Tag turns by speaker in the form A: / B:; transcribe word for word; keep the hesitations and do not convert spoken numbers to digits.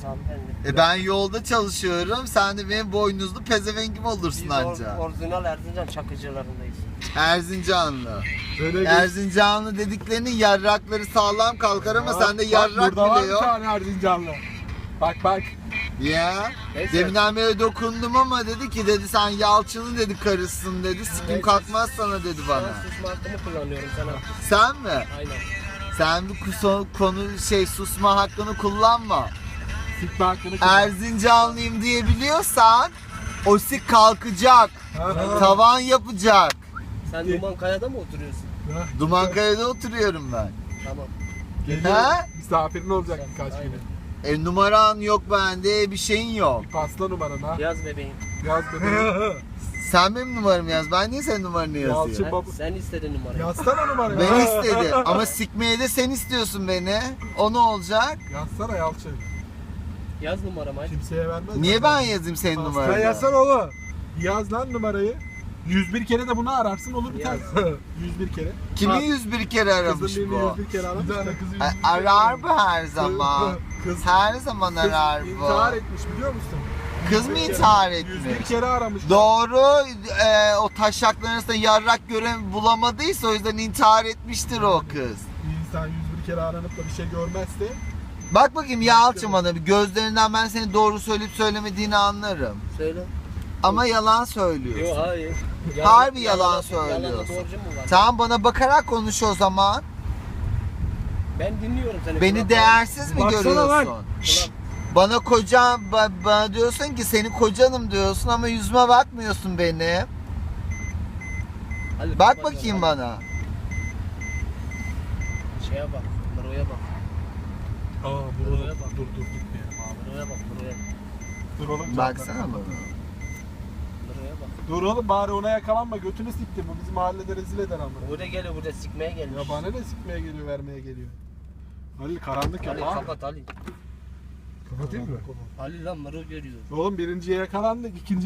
A: hanımefendi.
B: E ben yolda çalışıyorum. Sen de benim boynuzlu pezevengim olursun
A: Biz
B: anca.
A: or, orijinal Erzincan Çakıcılarındayız.
B: Erzincanlı.
C: Öyle
B: Erzincanlı dediklerinin yarrakları sağlam kalkar ama sende yarrak
C: burada var
B: bile
C: bir
B: yok.
C: tane Erzincanlı. Bak bak.
B: Ya.
A: Neyse.
B: Deminden beri dokundum ama dedi ki dedi sen Yalçın'ın dedi karısın dedi. Sikim
A: Neyse.
B: kalkmaz sana dedi bana.
A: Ben susma hakkımı kullanıyorum sana.
B: Sen mi?
A: Aynen.
B: Sen bu kuso- konu şey susma hakkını kullanma.
C: Sikme hakkını kullan.
B: Erzincanlıyım diyebiliyorsan o sik kalkacak.
C: Ha.
B: Tavan yapacak.
A: Sen Duman Kaya'da mı oturuyorsun?
C: Ha.
B: Dumankaya'da oturuyorum ben.
A: Tamam.
C: Geliyor.
B: Ha?
C: Misafirin olacak birkaç
A: Aynen.
C: güne.
B: E numaran yok bende, bir şeyin yok.
C: Pasla numaranı ha.
A: Yaz bebeğim.
C: Yaz bebeğim.
B: Sen benim numaramı yaz. Ben niye senin numaranı yazıyorum?
C: Yalçın.
A: Ha,
C: baba-
A: sen istedin numarayı.
C: Yazsana numarayı.
B: Ben istedi ama sikmeye de sen istiyorsun beni. O ne olacak?
C: Yazsana Yalçın.
A: Yaz numaramı hadi.
C: Kimseye vermez.
B: Niye ben yazayım senin
C: Sen
B: numaranı?
C: yazsana oğlum. Yaz lan numarayı. yüz bir kere de bunu ararsın olur biter.
A: Yaz.
C: yüz bir kere.
B: Kimi
C: Bak,
B: yüz bir kere aramış
C: Kızın
B: bu?
C: birini yüz bir kere aramış. Bir tane kızı yüz bir
B: A-
C: kere
B: Arar
C: aramış.
B: mı her zaman?
C: Kız,
B: Her zaman
C: kız
B: arar
C: intihar
B: bu.
C: etmiş biliyor musun?
B: Kız mı
C: yüz bir
B: intihar
C: kere- yüz bir
B: etmiş?
C: kere aramış.
B: Doğru, e, o taşakların arasında yarrak gören bulamadıysa o yüzden intihar etmiştir o kız.
C: Bir insan yüz bir kere aranıp da bir şey görmezse
B: Bak bakayım Yalçın bana bir gözlerinden ben seni doğru söyleyip söylemediğini anlarım.
A: Söyle.
B: Ama yalan söylüyorsun.
A: Yok hayır.
B: Harbi yalan
A: Yalan
B: söylüyorsun.
A: doğrucu mu var?
B: Tamam bana bakarak konuş o zaman.
A: Ben dinliyorum seni.
B: Beni
A: Kulak-
B: değersiz mi
C: Baksana
B: görüyorsun?
C: lan.
A: kulak-
B: Bana kocam, ba- bana diyorsun ki senin kocanım diyorsun ama yüzüme bakmıyorsun benim.
A: Hadi
B: Bak
A: kapat
B: bakayım
A: ya,
B: bana.
A: hadi. Şeye bak. Muro'ya bak.
C: Aa dur
A: Buraya
C: oğlum,
A: bak.
C: dur dur gitme.
A: Muro'ya bak. Muro'ya.
C: Dur oğlum.
B: Baksana bana.
A: Muro'ya bak.
C: Dur oğlum bari ona yakalanma götünü siktim bu bizi mahallede rezil eder ama.
A: Burada geliyor, burada sikmeye gelmiş.
C: Ya bana ne sikmeye geliyor vermeye geliyor. Halil karanlık
A: Ali
C: yapma.
A: kapat Ali.
C: Kapatayım mı?
A: Ali lan Muro görüyor.
C: Oğlum birinciye yakalandık ikinci